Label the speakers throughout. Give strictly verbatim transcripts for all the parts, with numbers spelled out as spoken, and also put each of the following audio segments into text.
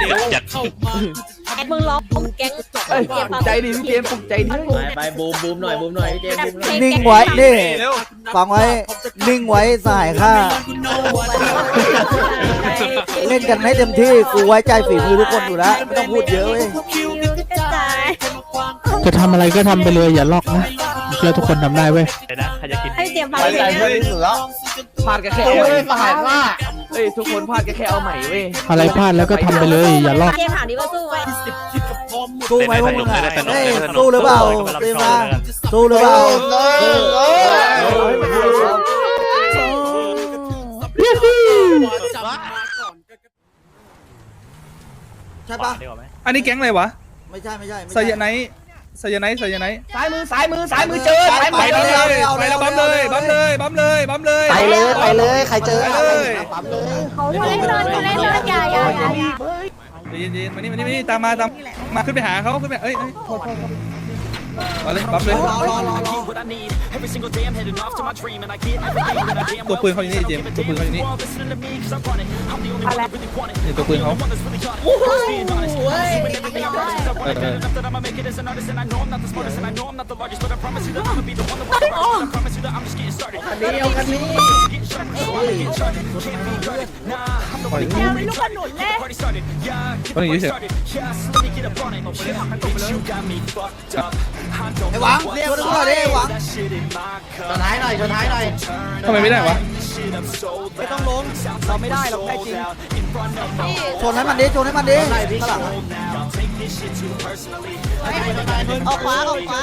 Speaker 1: จัด
Speaker 2: แก๊งมึงร้องแก๊ง
Speaker 3: ใจดีพี่เจมปลุกใจดี
Speaker 4: ไปไปบูมบูมหน่อยบูมหน่อยพี่เจมบูมหน่อย
Speaker 5: นิ่งไว้นี่ฟังไว้นิ่งไว้สหายข้าเล่นกันให้เต็มที่กูไว้ใจฝีมือทุกคนอยู่แล้วไม่ต้องพูดเยอะเว้ย
Speaker 6: จะทำอะไรก็ทำไปเลยอย่าล็อกนะเชื่อทุกคนทำได้เว้ย
Speaker 1: นะใครจะกิน
Speaker 2: ให้เตรียมพา
Speaker 3: ไว้ใจเพื่อนที่สุดแล้วพลาดกันแค่เอาใหม่พลาดว่าเฮ้ยทุกคนพลาดกันแค่เอาใหม่เว้ย
Speaker 6: อะไรพลาดแล้วก็ทำไปเลยอย่าล็อก
Speaker 2: เกมถามดิว่าสู้ไหม
Speaker 5: สู้ไหมพวกมึงอ่ะเฮ้ยสู้หรือเปล่าเตรียมมาสู้หรือเปล่าใช่ปะ
Speaker 7: อันนี้แก๊งอะไรวะ
Speaker 5: ไม่ใช่ไม่ใช่
Speaker 7: ไซยาไนท์ไซยาไนท์ไซยาไนท์
Speaker 3: ซ้ายมือซ้ายมือซ้ายมือเจอซ้ายมือ
Speaker 7: ไปเลยไปแล้วบัมเลยบัมเลยบัมเลยบัมเลย
Speaker 5: ไปเลยไปเลยใครเจอเลย
Speaker 2: เขาเล่นเลยเขาเล่นเลยอย่าอย่าอย่า
Speaker 7: เย็นเย็นมานี่มานี่มานี่ตามมาตามมาขึ้นไปหาเขาขึ้นไปเอ้ยโทษโทษมาเลยบัมเลยตัวปืนเขาอยู่นี่เจมตัวปืนเขาอยู่นี่นี่ตัวปืนเขา
Speaker 3: เดียวกันนี้
Speaker 7: ปล่อยงู
Speaker 2: ลูกกระหนุนเลย
Speaker 7: ปล่อยงูเฉย
Speaker 5: ไอ้หวังเรียกตัวดิไอ้หวัง
Speaker 3: ชนท้ายหน่อยชนท้ายหน่อย
Speaker 7: ทำไมไม่ได้วะ
Speaker 3: ไม่ต้องลงเราไม่ได้เราได้จริง
Speaker 5: ชนให้มันดิชนให้มันดิข้างหลัง
Speaker 2: เอาขวาเอาขวา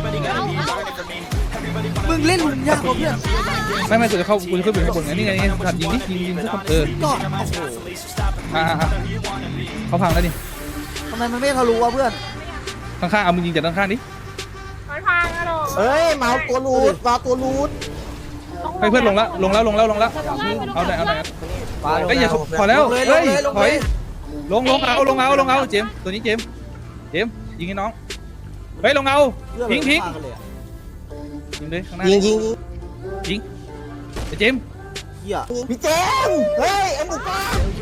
Speaker 5: มึงเล่นมึงยากกว่าเพื่อน
Speaker 7: ไม่ไม่กูจะเข้ากูจะขึ้นไปข้างบนไงนี่ไงนี่ถัดยิงนี่ยิงยิงทุกคนเออ
Speaker 5: ก็
Speaker 7: อ่าเขาพังแล้วนี่
Speaker 5: ทำไมมันไม่ทะลุวะเพื่อน
Speaker 7: ข้างๆเอามึงยิงจากด้านข้างดิ
Speaker 2: มันพังอะหรอ
Speaker 3: เฮ้ยเมาตัวรูดมาตัวรูด
Speaker 7: ให้เพื่อนลงแล้วลงแล้วลงแล้วลงแล้วเอาไหนเอาไหนเฮ้ยอย่าพอแล้วเฮ้ยถอยลงลงเอาลงเอาลงเอาเจมตัวนี้เจมเจมยิงให้น้องเฮ้ยลงเอาทิ้งทิ้งยิงเลยข้างหน้า
Speaker 3: ยิงยิง
Speaker 7: ยิงไอ้เจม
Speaker 3: พี่เจมเฮ้ยไอ้หมูป้า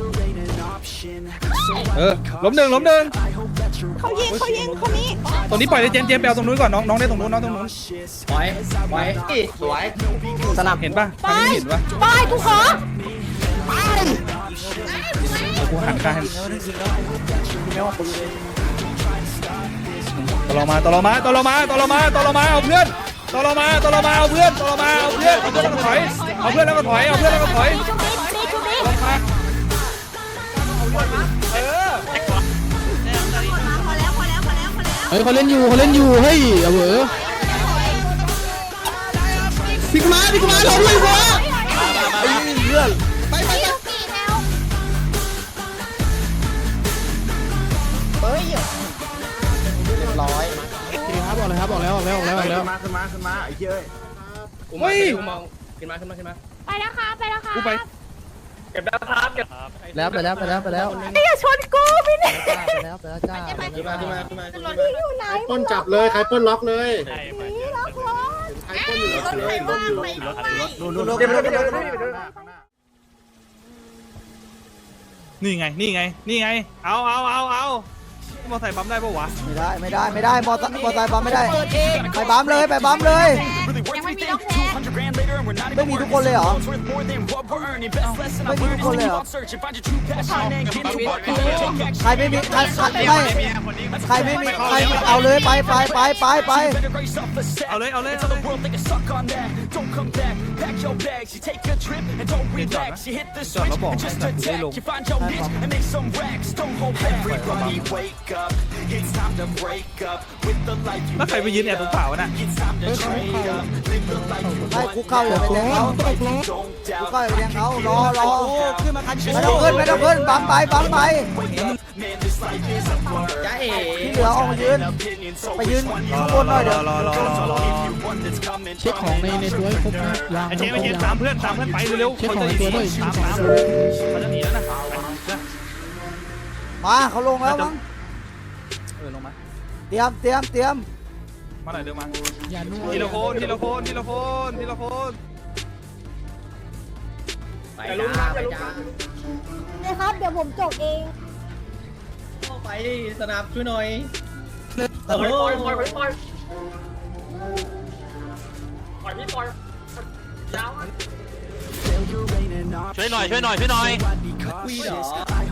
Speaker 7: เออล้มหนึ่งล้มหนึ่ง
Speaker 2: เขายิงเขายิงคนนี้
Speaker 7: ตรงนี้ปล่อยเลยเจมเจมไปเอาตรงนู้นก่อนน้องน้องได้ตรงนู้นน้องตรงนู้น
Speaker 3: ปล่อยปล่อยสวย
Speaker 7: สนับเห็นป่ะทางนี้เห็นป่ะ
Speaker 2: ไปกูขอ
Speaker 7: ไปกูหันข้างตลอมาตลอมาตลอมาตลอมาตลอมาเอาเพื่อนตลอมาตลอมาเอาเพื่อนตลอมาเอาเพื่อนเอาเพื่อนแล้วก็ถอยเอาเพื่อนแล้วก็ถอยเอาเพื่อนแล้วก็ถอยเออ
Speaker 6: เฮ้ยเขาเล่นอยู่เขาเล่นอยู่เฮ้ยเอาเหรอพี่กุมาพี่กุมาลงเลยหัว
Speaker 5: ไอ้เพื่อน
Speaker 6: ไปไปไป
Speaker 3: เฮ้ยเรียบร้อย
Speaker 6: ครับบอกเลยครับบอกแล้วบอกแล้วบอกแล้วบอกแล้ว
Speaker 3: มาขึ้นมาขึ้นมาไอ้เจ้ย
Speaker 7: เฮ้ย
Speaker 4: ขึ้นมาขึ้นมาขึ้นมา
Speaker 2: ไปแล้วค่ะไปแล้วค่ะ
Speaker 7: กูไป
Speaker 4: เก็บแล้วครับเก็บ
Speaker 5: แล้วไปแล้วไปแล้วไปแล้ว
Speaker 2: อย่าชนกูพี่เนี่ย
Speaker 5: ไปแล้วไปแล้วจ้า
Speaker 4: ขึ้นมาขึ้นมาขึ้นมาขึ้นมา
Speaker 2: พี่อยู่ไหน
Speaker 8: ต้นจับเลยใครป้นล็อกเลย
Speaker 2: นี่ล็อกรถ
Speaker 8: ใครป้นอยู่ล็อกเลยรถอยู่รถอยู่รถ
Speaker 5: นู่นนู่นนู่น
Speaker 7: นี่ไงนี่ไงนี่ไงเอาเอาเอาเอามอไซค์ปั๊มได้ปะวะ
Speaker 5: ไม่ได้ไม่ได้ไม่ได้มอมอไซค์ปั๊มไม่ได้ไปปั๊มเลยไปปั๊มเลยไม่มีทุกคนเลยเหรอไม่มีทุกคนเลยเหรอใครไม่มีใครไม่ใครไม่มีใครเอาเลยไปไปไปไปไป
Speaker 7: เอาเลยเอาเลยเอาเลยจอดแล้วบอกให้สัตว์ได้ลงแล้วใครไปยืนแอบตรงเปล่าวะน่ะ
Speaker 5: ให้คุกเข้าอย่าไปแทงเขาคุกเข้าอย่าไปแทงเขารอรอขึ้นมาคันไม่ต้องขึ้นไม่ต้องขึ้นปั๊มไปปั๊มไปที่เหลือออกมายืนไปยืนข้างบนหน่อยเดี๋ยว
Speaker 6: เช็คของในในตัวให้ครบนะยาง
Speaker 7: ไอ้เจ๊ไอ้เจ๊ตามเพื่อนตามเพื่อนไปเร็วๆ
Speaker 6: เช็คของในตัวด้วย
Speaker 7: ตามตามเขาจะหนีแล้วนะ
Speaker 5: มาเขาลงแล้วมั้ง
Speaker 7: เออลงมา
Speaker 5: เตรียมเตรียมเตรียม
Speaker 7: มาหน่อยเร็วมาทีละคนทีละคนทีละคนทีละคน
Speaker 4: ไปจ้าไปจ้า
Speaker 2: เลยครับเดี๋ยวผมจบเอง
Speaker 4: ไปสนับช่วยหน่อยปล่อยปล่อยปล่อยปล่อยปล่อยปล่อยพี่ปล่อยยาว
Speaker 1: ช่วยหน่อยช่วยหน่อยช่วยหน่อย
Speaker 4: คุยเหรอ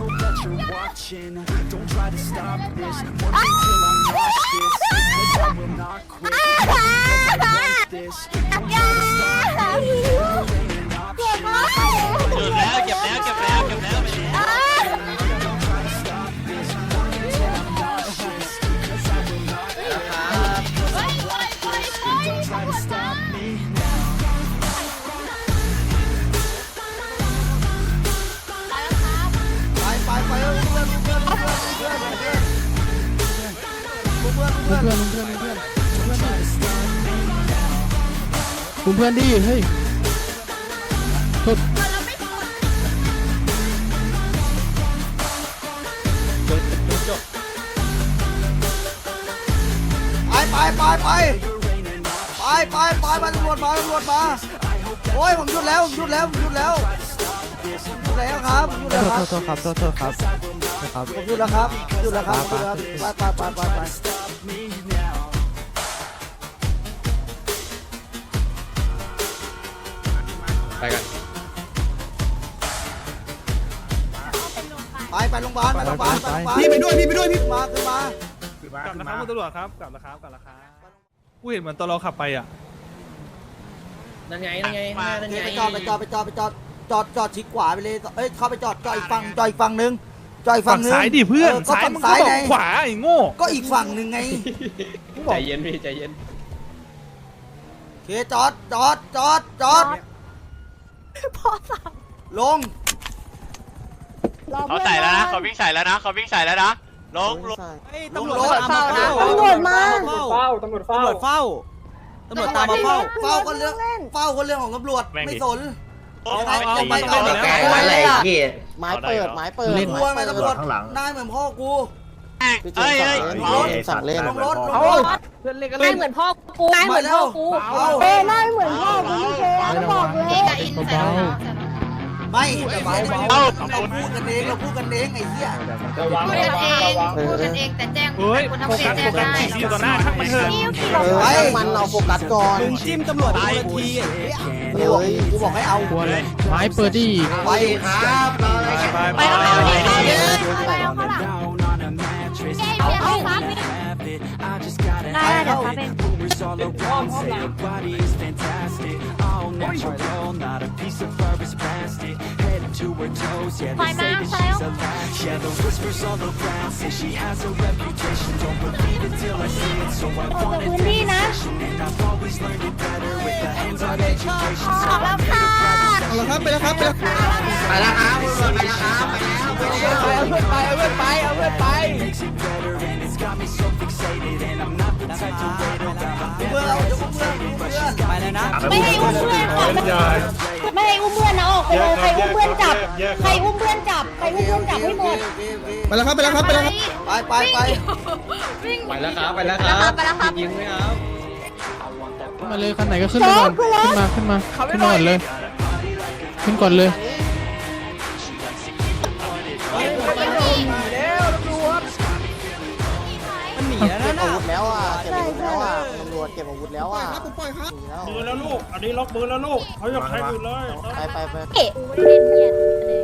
Speaker 1: เก็บแล้วเก็บแล้วเก็บแล้วเก็บแล้ว
Speaker 5: ไปไปไปเพื่อนเพื่อนเพื่อนเพื่อนเพื่อนเพื่อนเพื่อน
Speaker 6: เพื่อนเพื่อนเพื่อนเพื่อนเพื่อนเพื่อนเพื่อนดิเฮ้ยโทษ
Speaker 5: ไปไปไปไปไปไปไปมาตำรวจมาตำรวจมาโอ้ยผมหยุดแล้วผมหยุดแล้วผมหยุดแล้วหยุดแล้วครับผมหยุดแล้วครับ
Speaker 3: โทษครับโทษโทษครับครับ
Speaker 5: ผมหยุดแล้วครับหยุดแล้วครับหยุดแล้วไปไปไปไปไป
Speaker 4: ไปกัน
Speaker 5: ไปไปโรงพยาบาลไปโรงพยาบาลไปโรงพยาบาล
Speaker 7: พี่ไปด้วยพี่ไปด้วยพี่
Speaker 5: ขึ้นมาขึ้นมา
Speaker 7: กลับนะครับคุณตำรวจครับกลับนะครับกลับนะครับกูเห็นเหมือนตอนเราขับไปอ่ะ
Speaker 4: นั่นไงนั่นไงนั่นไง
Speaker 5: ไปจอดไปจอดไปจอดไปจอดจอดจอดชิดขวาไปเลยเอ้ยเข้าไปจอดจอดอีกฝั่งจอดอีกฝั่งนึงจอดอีกฝั่
Speaker 7: ฝั่
Speaker 5: ง
Speaker 7: ง
Speaker 5: นึง
Speaker 7: ซ้ายดิเพื่อน
Speaker 5: ก็
Speaker 7: ซ้าย
Speaker 5: ฝั่ง
Speaker 7: มึง
Speaker 5: ซ้า
Speaker 7: ก็
Speaker 5: ย
Speaker 7: บอ
Speaker 5: ไง
Speaker 7: กขวาไอ้โง่
Speaker 5: ก็อีกฝั่งนึงไง
Speaker 4: ใจเย็นพี่ใจเย็น
Speaker 5: โอเคจอดจอดจอดจอด
Speaker 2: พ่อสั่ง
Speaker 5: ลง
Speaker 1: เขาใส่แล้วนะเขาวิ่งใส่แล้วนะเขาวิ่งใส่แล้วนะลงลง
Speaker 5: ตำรวจเฝ้านะ
Speaker 2: ตำรวจมา
Speaker 4: เฝ้าตำรวจเฝ้า
Speaker 5: เฝ้าตำรวจตามมาเฝ้าเฝ้าก็เรื่องเฝ้าก็เรื่องของตำรวจไม่สน
Speaker 1: เอา
Speaker 5: ยังไง
Speaker 1: เอา
Speaker 5: ยังไง
Speaker 1: เอา
Speaker 5: ก็
Speaker 1: เอา
Speaker 5: ไม่
Speaker 1: เอา
Speaker 5: ได้
Speaker 9: ไม้เปิดไม้เปิด
Speaker 6: เล่น
Speaker 5: กลัวไหมตำรวจนายเหมือนพ่อกู
Speaker 1: เฮ้ยเฮ้ย
Speaker 9: สั่งเล่น
Speaker 5: ลงรถลง
Speaker 3: เอา
Speaker 5: รถ
Speaker 3: เพื่อนเล่นกัน
Speaker 2: นายเหมือนพ่อกูนายเหมือนพ่อกูเออนายเหมือนพ่อกูพี่เคสบอกเลยกับอินใส่
Speaker 5: ไม่แต่เบาเบาเราพูดกันเองเราพูดกันเองไอ้เหี้ย
Speaker 4: ระวัง
Speaker 2: พูด
Speaker 4: ระ
Speaker 2: กัน
Speaker 4: วัง
Speaker 2: เอง
Speaker 4: ระวัง
Speaker 2: พูดกันเองแต่แจ้ง
Speaker 7: เฮ้ย
Speaker 2: คุณ
Speaker 7: โฟ
Speaker 2: ทำเสี
Speaker 7: กั
Speaker 2: ย
Speaker 7: ส
Speaker 2: แจ้
Speaker 7: โฟ
Speaker 2: ง
Speaker 7: กัส
Speaker 2: ได้
Speaker 7: ที่อยู่ต่อหน้าช่างมันเถอะ
Speaker 2: นิ้วกี่
Speaker 5: เออ
Speaker 9: ไอ้มันเราโฟกัสก่อน
Speaker 5: มึงจิ้มตำรวจทีทีเฮ้ยกูบอกให้เอา
Speaker 6: กลัวเลยไม้เปิดดิ
Speaker 5: ไปครับ
Speaker 7: ไปไป
Speaker 2: ไปเอาเขาดิไปเอาเขาหลังเจ๊เบี้ยเอาครับได้เดี๋ยวครับเองถอยมาแล้วออกจากพื้นที่นะออกแล้วค่ะ
Speaker 7: เอาละครับไปแล้วครับไปแล้ว
Speaker 5: ไปแล้วครับไปแล้วครับไปแล้ว
Speaker 3: เอาเพื่อนไปเอาเพื่อนไปเอาเพื่อนไป
Speaker 5: เพื่อนเราจะเพื่อนเพื่อนไปเลยนะ
Speaker 2: ไม่ให้อุ้มเพื่อนก่อนไม่ให้อุ้มเพื่อนนะออกไปเลยใครอุ้มเพื่อนจับใครอุ้มเพื่อนจับใครอุ้มเพื่อนจับให้หมด
Speaker 7: ไปแล้วครับไปแล้วครับไปแล้วครับ
Speaker 5: ไปไปไป
Speaker 2: วิ่ง
Speaker 4: ไปแล้วครับไปแล้วครับ
Speaker 2: ไปแล้วครับ
Speaker 4: ยิงไหมครับ
Speaker 6: ขึ้นมาเลยคันไหนก็ขึ้นไปก่อนขึ้นมาขึ้นมาขึ้นมาก่อนเลยขึ้นก่อนเลย
Speaker 5: มันหนีแล้ว
Speaker 9: เก็บ
Speaker 5: นะ
Speaker 9: อาวุธแล้วอ่ะเก็บอาวุธแล้วอ่ะตำรวจเก็บอาวุธแล้วอ่ะหนีแล้ว
Speaker 4: ปืนแล้วลูกอันนี้ล็อกปืนแล้วลูกเขาอยากใช้ปืนเลย
Speaker 9: ไปไปไป
Speaker 2: เอ๊ะไม่ได้เล่นเนียนเลย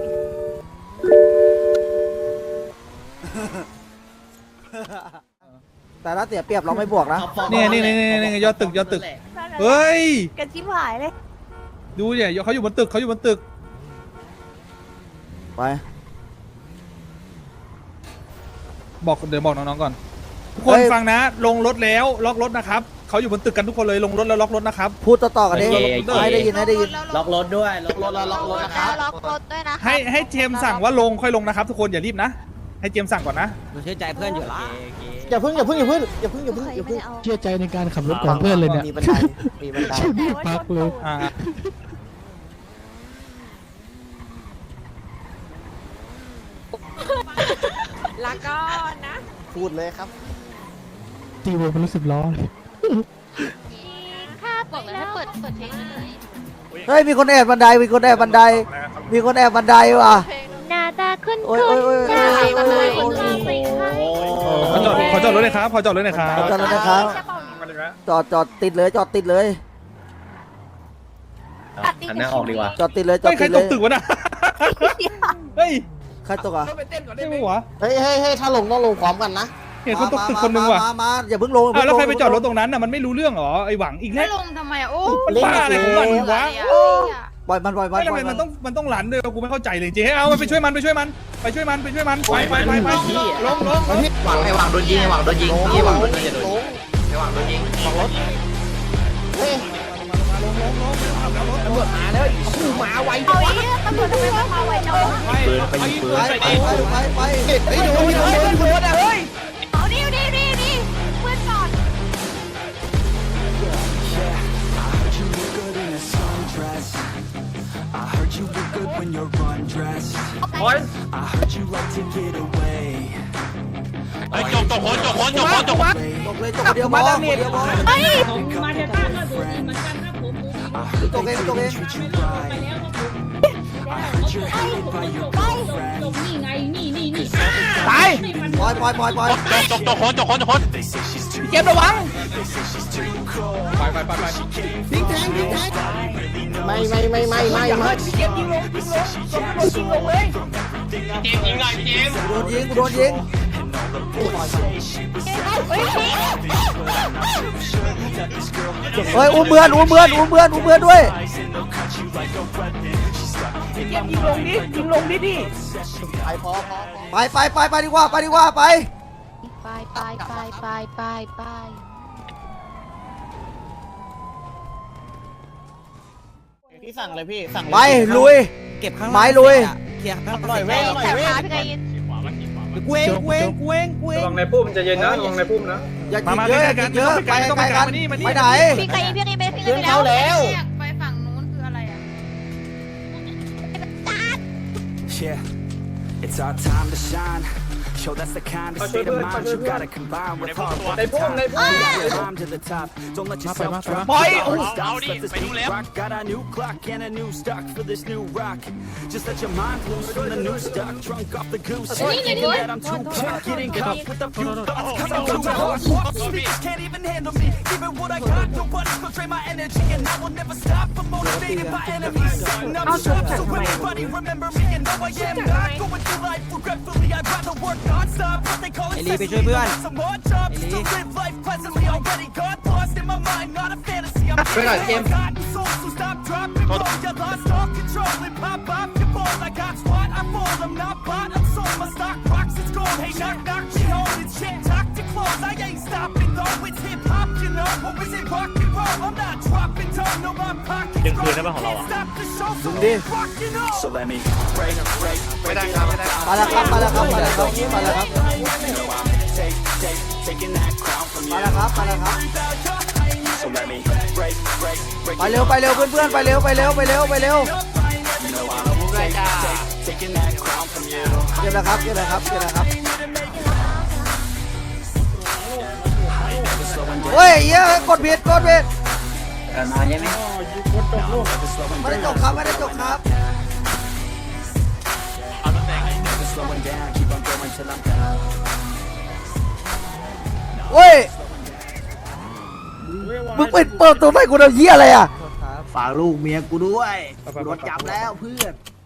Speaker 5: แต่ถ้าเสียเปรียบเราไม่บวกนะ
Speaker 7: นี่นี่นี่นี่นี่ยอดตึกยอดตึกเฮ้ย
Speaker 2: กันชิบหายเลย
Speaker 7: ดูเนี่ยเขาอยู่บนตึกเขาอยู่บนตึก
Speaker 5: ไป
Speaker 7: บอกเดี๋ยวบอกน้องๆก่อนทุกคนฟังนะ ลงรถแล้วล็อกรถนะครับเขาอยู่บนตึกกันทุกคนเลยลงรถแล้วล็อกรถนะครับ
Speaker 5: พูดต่อๆกันเองให้ได้ยินให้ได้ยิน
Speaker 4: ล็อกรถด้วยล็อกรถแล้วล็อกรถนะครับ
Speaker 2: ล็อกรถด้วยนะ
Speaker 7: ให้ให้เจมส์สั่งว่าลงค่อยลงนะครับ ทุกคนอย่ารีบนะ ให้เจมส์สั่งก่อนนะ
Speaker 3: เชื่อใจเพื่อนอยู่ละ
Speaker 9: อย่าพึ่งอย่าพึ่งอย่าพึ่งอย่าพึ่งอย่าพึ่งอย่าพึ่ง
Speaker 6: เชื่อใจในการขับรถของเพื่อนเลยเนี่ย
Speaker 9: มีบันไดมีบันได
Speaker 6: ชื่อนี่พักเลย
Speaker 7: อ่า
Speaker 2: ละก็นะ
Speaker 9: พูดเลยครับ
Speaker 6: ตีโบเป็นรู้สึกล้อเลย
Speaker 2: ถ้าบอกเลยถ้าเปิดเปิดเพลงเลย
Speaker 5: เฮ้ยมีคนแอบบันไดมีคนแอบบันไดมีคนแอบบันไดว่ะ
Speaker 2: หน้าตาขึ้น
Speaker 5: โอ้ย
Speaker 2: ขึ้น
Speaker 5: โอ้ยโอ้ย
Speaker 2: หน้าตา
Speaker 5: โอ้ย
Speaker 2: ขึ้น
Speaker 5: โอ้ย
Speaker 2: ขึ้น
Speaker 4: โอ้
Speaker 7: อดรถเลยครับขอจอดรถเลยครับ
Speaker 5: จอดรถนะครับจอดจอดติดเลยจอดติดเลย
Speaker 2: อันนี้ออกดีกว่า
Speaker 5: จอดติดเลยจอ
Speaker 7: เฮ้
Speaker 5: ด
Speaker 7: ยใคร
Speaker 5: ติดเล
Speaker 7: ตก
Speaker 5: ย
Speaker 7: ตึกวะน่ะเฮ้ย
Speaker 5: ใครตกอ่ะ
Speaker 7: ไม่หัว
Speaker 9: เฮ้ยเฮ้ยเฮ้ยถ้าลงต้องลงพร้อมกันนะ
Speaker 7: เห็นคนตกตึกคนนึงว่ะ
Speaker 5: มามาอย่าเพิ่งลง
Speaker 7: อ้าวแล้วใครไปจอดรถตรงนั้นน่ะมันไม่รู้เรื่องเหรอไอ้หวังอีก
Speaker 2: ไม่
Speaker 7: แล้ว
Speaker 2: ลงทำไมอ่ะโอ้
Speaker 7: มันบ้าอะไรของมันวะ
Speaker 5: ปล่อยมันปล่อยมัน
Speaker 7: ไม่ทำไมมันต้องมันต้องหลันด้วยกูไม่เข้าใจเลยจริงเอาไปช่วยมันไปช่วยมันไปช่วยมันไปช่วยมันไปไปไปไปลงลง
Speaker 1: หวังไอ้หวังโดนยิงไอ้หวังโดนยิงไอ้หวังโดนยิงไอ้หวังโดนยิงบอกรถ
Speaker 9: เฮ้ย
Speaker 3: ตำรวจมาแล้วคู่มาไว
Speaker 2: เอาอีกตำรวจทำไมมาไวจัง
Speaker 1: ปืนไปยิงปืน
Speaker 5: ไปไปไปไป
Speaker 3: เฮ้ยโดนโดนโดนโดนอ่ะเฮ้ย
Speaker 2: เอาดิดิดิดิเพื่อนก่อน
Speaker 4: โอ้ย
Speaker 1: ไอ้จกจกคนจกคนจกคนจกคน
Speaker 5: ตกเลยตกเดียวบอลเดียวบอล
Speaker 2: เฮ้ย
Speaker 5: ตกเองตกเอง
Speaker 3: ตาย
Speaker 5: ปล่อยปล่อยปล่อยปล่อย
Speaker 1: จกจกคนจกคนจกคน
Speaker 3: เก็บระวัง
Speaker 7: ไปไปไปไป
Speaker 9: ไม่ไม่ไม่ไม่ไม่
Speaker 3: อย่า
Speaker 9: ไม่
Speaker 3: เฮ้ยเก็บยิงลงยิงลงยิงลงเลย
Speaker 1: เจมยิงหน่อยเจม
Speaker 5: โดนยิงโดนยิงเฮ้ยอุ้มเบือนอุ้มเบือนอุ้มเบือนอุ้มเบือนด้วย
Speaker 3: เก็บยิงลงดิยิงลงดิดิ
Speaker 9: ไปพอพอ
Speaker 5: ไปไปไปไปดีกว่าไปดีกว่าไป
Speaker 2: ไปไปไปไปไปไป
Speaker 9: พี่สั่งเลยพี่สั่ง
Speaker 5: ไปลุยเก็บข้างไม้ลุย
Speaker 9: หน่อยเว้ย
Speaker 2: แถวขาพี่ไงยิน
Speaker 3: กูเองกูเองกูเองกูเอง
Speaker 4: ระวังในพุ่มจะเย็นนะระวังในพุ่มนะ
Speaker 5: อย่ากินเยอะอย่ากินเยอะไปไกลกันไปไหน
Speaker 2: พี่ไงพี่ไงไปพี่ไงไปแล้วไปฝั่งนู้นคืออะไรอ่ะ
Speaker 10: Yeah, it's our time to shine. Show that's the kind of state of mind you gotta combine with hard work.
Speaker 4: ในพุ่มในพุ่ม
Speaker 10: Climb to the top. Don't let yourself drop.
Speaker 3: ปล่อย
Speaker 1: เอาดิไปดูแล้ว
Speaker 10: Rock. Got a new clock and a new stock for this new rock. Just let your mind loose from the new stock. Drunk off the goose. Thinking that I'm too pop. Getting caught with a few thoughts. Cause I'm too hard. Speakers can't even handle me. Even what I got, nobody's gonna drain my energy. And I will never stop. I'm motivated by enemies. Setting up shop. So anybody remember me and know I am not going through life regretfully. I'd rather work non-stop. What they call it. Some more jobs to live life pleasantly. Already got lost in my mind. Not a fantasy. I'm forgotten souls. So stop, drop, and roll. You lost all control and pop off your balls. I got squat, I fall. I'm not bought, I'm sold. My stock rocks, it's gold. Hey, knock, knock, she holding shit. Talk to close. I ain't stopping though. It's hip hop, you know. Or is it rock and roll? I'm not dropping down. No, my pocket's
Speaker 1: Đừng
Speaker 10: full.
Speaker 1: cười nữa mà họ bảo à?
Speaker 10: Can't stop the show, so
Speaker 5: Đi.
Speaker 10: I'm rocking on. So let me break, break,
Speaker 1: ไม่ได้ครับไม่ได้
Speaker 5: มาแล้วครับมาแล้วครับมาแล้วครับมาแล้วครับ
Speaker 10: take, take, taking that crown from
Speaker 5: มา
Speaker 10: you.
Speaker 5: แล้วครับมาแล้วครับ
Speaker 10: So let me break, break, break.
Speaker 5: ไปเร็วไปเร็วเพื่อนๆไปเร็วไปเร็วไปเร็วไปเร็ว
Speaker 10: You know I'm take, take, taking that crown from you.
Speaker 5: เก็บนะครับเก็บนะครับเก็บนะครับเฮ้ยเหี้ยกดผิดกดผิดไม่ได้จบครับไม่ได้จบครับ
Speaker 1: เอาตำแหน่ง
Speaker 10: Slowing down, keep on going till I'm done.
Speaker 5: เฮ้ยมึงปิดเปิดตัวให้กูทำเหี้ยอะไรอ่ะ
Speaker 9: ฝากลูกเมียกูด้วย
Speaker 7: โดนจับแล้ว
Speaker 9: เพื่อน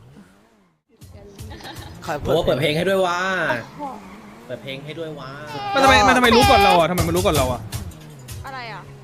Speaker 5: โอ้เปิดเพลงให้ด้วย
Speaker 1: เปิดเพลงให้ด้วยว้า
Speaker 7: มันทำไมมันทำไมรู้ก่อนเราอ่ะทำไมมันรู้ก่อนเราอ่ะ
Speaker 2: อะไรอ่ะ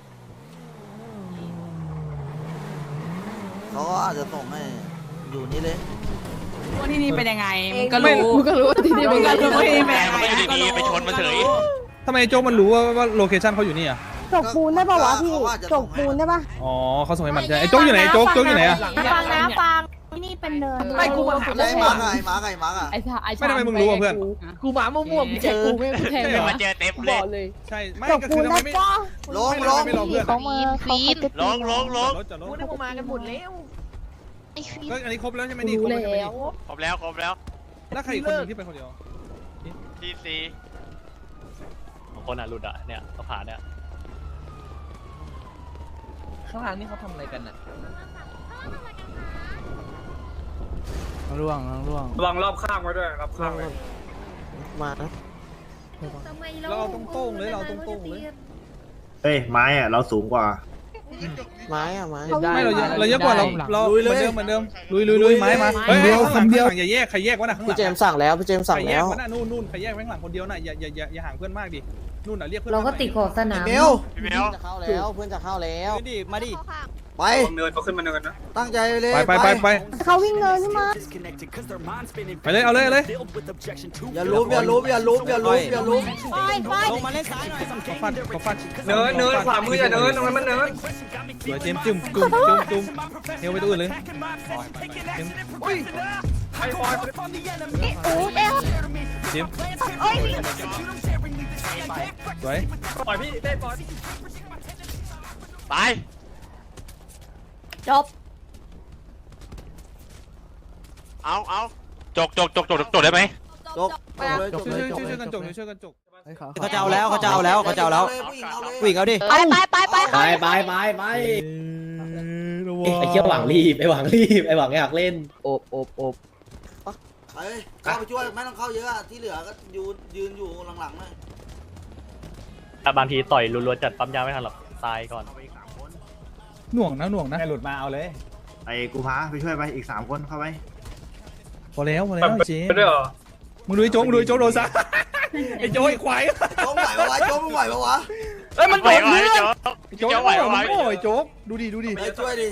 Speaker 5: เขาก็อาจจะส่งให้อยู่นี่เลย
Speaker 2: ว่าที่นี่เป็นยังไงมึงก็
Speaker 7: ไม่
Speaker 2: รู้มึงก็รู้ที่นี่มึงก็รู้ที่นี่เป็น
Speaker 1: แต่
Speaker 2: ยัง
Speaker 1: มัน
Speaker 2: ไง
Speaker 1: ก็อยู่ดีๆไปชนมันเฉย
Speaker 7: ทำไมโจ๊กมันรู้ว่าว่าโลเคชั่นเขาอยู่นี่อ่ะ
Speaker 5: จกปูนได้ป่าวะพี่จกปูนได้ป่ะ
Speaker 7: อ๋อเขาส่งให้มันใช่ไอ้โจ๊กอยู่ไหนไอ้โจ๊กโจ๊กอยู่ไหนอ่ะ
Speaker 2: ฟังนะฟังที่นี่เป็นเนิน
Speaker 3: ไม่กูมาถาม
Speaker 5: ไอ้มาร์กไอ้มาร์กไอ้มาร์กอ่ะ
Speaker 11: ไอ้ชาไอ้ชา
Speaker 7: ไม่ทำไมมึงรู้อ่ะเพื่อน
Speaker 3: กูหมามั่วๆมึงเจอกูไม่แทง
Speaker 1: เดินมาเจอเต็ม
Speaker 3: กู
Speaker 1: เล
Speaker 3: บ
Speaker 1: ย
Speaker 3: อกเลย
Speaker 7: ใช่ไม่ก็คือทำไมไม่
Speaker 5: ลงลง
Speaker 7: ไม่รอเพื่อน
Speaker 2: เขามาเขาจะ
Speaker 1: ลงลงลง
Speaker 7: รถจอดร
Speaker 3: กู
Speaker 7: ถ
Speaker 3: นึกว่ามากันหมดแล้ว
Speaker 2: ไอ้ฟี
Speaker 7: ก็อันนี้ครบแล้วใช่ไหม
Speaker 11: กู
Speaker 7: นี่คร
Speaker 11: รู้
Speaker 7: บแล้วใช่ไหม
Speaker 11: แล้
Speaker 7: นี่
Speaker 11: ว
Speaker 1: ครบแล้วครบแล้ว
Speaker 7: แล้วใครอีกคนหนึงที่เป็นคนเดียว
Speaker 1: ทีซีของคนอ่ะหลุดอ่ะเนี่ยเขาผ่านเนี่ย
Speaker 3: ข้างล่างนี่เขาทำอะไรกันน่ะ
Speaker 6: ร่วงร่วง
Speaker 4: ระวังรอบข้างไว้ด้วยรอบข้างไว้
Speaker 9: มานะ
Speaker 7: เราเอาตรงๆเลยเราตรงๆเลย
Speaker 8: เฮ้ยไม้อะเราสูงกว่า
Speaker 9: ไม้อะไม้
Speaker 7: ไม่เราเยอะเราเยอะกว่าเราเราเหมือนเดิมเหมือนเดิมลุยลุยลุยไม้มาเฮ้ยข้างหลังข้างหลังอย่าแยกใครแยกวะนะข้างหลั
Speaker 9: พี่
Speaker 7: ง
Speaker 9: เจมส์สั่งแล้วพี่เจมส์สั่ง
Speaker 7: ใครแย
Speaker 9: แล้
Speaker 7: ก
Speaker 9: ว
Speaker 7: วะนะนู่นนู่นใครแยกข้างหลังคนเดียวน่ะอย่าอย่าอย่าอย่าห่างเพื่อนมากดินู่นน่ะเรียกเพื่อน
Speaker 2: เราก็ติดขอบสนาม
Speaker 5: เมล
Speaker 1: พี่เมล
Speaker 9: จะเข้าแล้วเพื่อนจะเข้าแล้ว
Speaker 3: ดิมาดิ
Speaker 5: ไปเนินเขาขึ้นมาเนินนะตั้งใจเลย
Speaker 7: ไปไปไปไป
Speaker 2: เขาวิ่งเนินขึ้นมา
Speaker 7: ไปเลยเอาเลยเอาเลย
Speaker 5: อย่าลุมอย่าลุมอย่าลุมอย่าลุมอย่าลุม
Speaker 2: ไปไป
Speaker 3: ลงมาเล่นซ้ายหน่อย
Speaker 7: ขอฟันขอฟัน
Speaker 3: เนินเนินขวามืออย่าเนินตรงนั้นมันเนิน
Speaker 7: สวยเจมจุ่มจุ่มจุ่มจุ่มเฮลไปตัวอื่นเลยเจม
Speaker 2: โอ้เอ๊ะ
Speaker 7: เจม
Speaker 2: โอ้ย
Speaker 7: สวย
Speaker 3: ปล่อยพี่เต้ปล่อย
Speaker 1: ไป
Speaker 2: จบ
Speaker 1: เอาเอาจกจกจกจกจกได้ไหม
Speaker 5: จบจบเลยจ
Speaker 7: ช่วย
Speaker 5: บ
Speaker 7: ช่วย
Speaker 5: เลย
Speaker 7: ช่วยกันจกช่วยกันจก
Speaker 3: เขาจะเอาแล้วเขาจะเอาแล้วเขาจะเอาแล้ว
Speaker 5: ผู้หญิงเอาดิ
Speaker 3: วิ่งเอาดิ
Speaker 2: ไปไปไปไป
Speaker 4: ไปไปไปไปไอ้เชี่ยหวังรีบไอ้หวังรีบไอ้หวังอยากเล่น
Speaker 3: โอบโอบโอบ
Speaker 5: ไปเข้าไปช่วยไม่ต้องเข้าเยอะอะที่เหลือก็ยืนยืนอยู่หลังๆหน่อย
Speaker 1: แต่บางทีต่อยรัวๆจัดปั๊มยาไม่ทันหรอกตายก่อน
Speaker 7: หน่วงนะหน่วงนะ
Speaker 3: หลุดมาเอาเลย
Speaker 8: ไอ้กูพาไปช่วยไปอีกสามคนเข้าไป
Speaker 7: พอแล้วพอแล้วเจมมึงดูไอ้โจ๊กมึงดูไอ้โจ๊กโดนซะไอ้โจ๊กไอ้ควาย
Speaker 5: โจ๊กไหวปะวะโจ๊กมึงไหวปะวะ
Speaker 7: เอ้ยมันโดน
Speaker 1: ไหว
Speaker 7: เพื่อน
Speaker 1: ไหว
Speaker 7: โจ๊ก
Speaker 1: โจ๊กไหวไหว
Speaker 7: โอ้ยโจ๊กดูดิดูดิ
Speaker 5: ไปช่วยดิ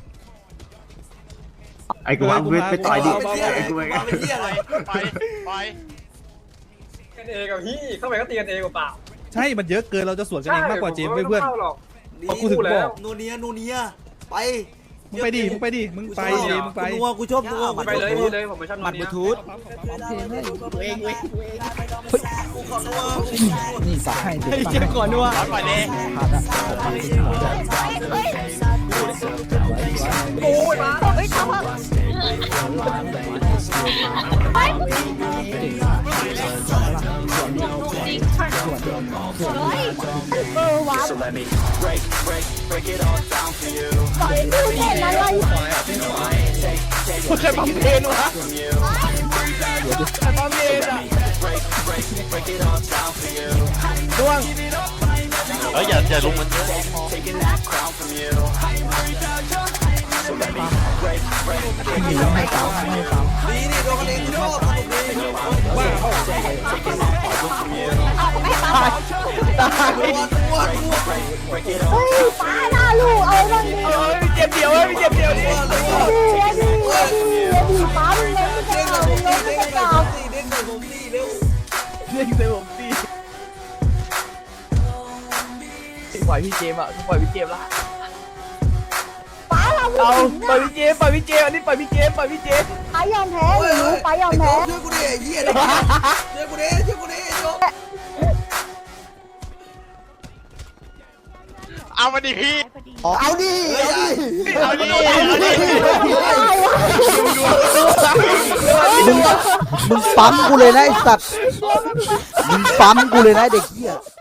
Speaker 8: ไอ้กูพาไปไปต่อยดิ
Speaker 5: ไปเที่ย
Speaker 8: ไอ้กู
Speaker 5: ไป
Speaker 8: ไป
Speaker 5: เที่ยอะไร
Speaker 1: ไปไป
Speaker 3: กันเองกับพี่เข้าไปก็ตีกันเองกับเปล่า
Speaker 7: ใช่มันเยอะเกินเราจะสวนกันเองมากกว่าเจมเพื่อน
Speaker 5: ดี
Speaker 7: กูถึงบอก
Speaker 5: นูเนียนูเนียไป
Speaker 7: มึงไปดิมึงไปดิมึงไปเจมมึงไป
Speaker 5: กูนัวกูชอบนัวกู
Speaker 3: ไปเลยพี่เลยผมไม่ชอบ
Speaker 7: หมัดบลูทูธ
Speaker 4: เองเว้ย
Speaker 5: กูขอนัว
Speaker 3: นี่สายให้เจ็บก่อนนัว
Speaker 1: ร้อนไปเลย
Speaker 2: โอ้ยมาเฮ้ยทำเถอะไปเออว้าวปล่อยดูเด่นอะไร
Speaker 3: ใครปั๊มเพนวะใครปั๊มเพนอ่ะดวง
Speaker 1: เฮ้ยอย่าอย่าลุมมันเยอะ
Speaker 3: หนีให้เก่าให้เก่า
Speaker 5: ดีนี่โดนกันเองกูชอบสนุกดี
Speaker 2: เอาไปปา
Speaker 3: ตาย
Speaker 5: นัวนัวนัว
Speaker 2: เฮ้ยปาหน้าลูกเอาบ้างดิ
Speaker 3: เอ้ยเจ็บเดียวเอ้ยเจ็บเดียวนี่
Speaker 2: ดีดีดีดีป้ามึงเล่นไม่ได้เอามึงเล่นไม่ได้เอา
Speaker 5: เด้งใส่ผมดีเร็ว
Speaker 3: เล่นเต็มผมตีปล่อยพี่เจมอ่ะปล่อยพี่เจมละ
Speaker 2: ป้าเรา
Speaker 3: เอาปล่อยพี่เจมปล่อยพี่เจมอันนี้ปล่อยพี่เจมปล่อยพี่เจม
Speaker 2: ป้ายอมแพ้หนูป้ายอมแพ้
Speaker 5: ช่วยกูดิเหี้ยดิช่วยกูดิช่วยกูดิโจ๊ก
Speaker 1: เอามาดิพี่
Speaker 9: เอาดิ
Speaker 1: เอาดิเอาดิ
Speaker 9: มึงมึงปั๊มกูเลยนะไอ้สัตว์มึงปั๊มกูเลยนะเด็กเหี้ย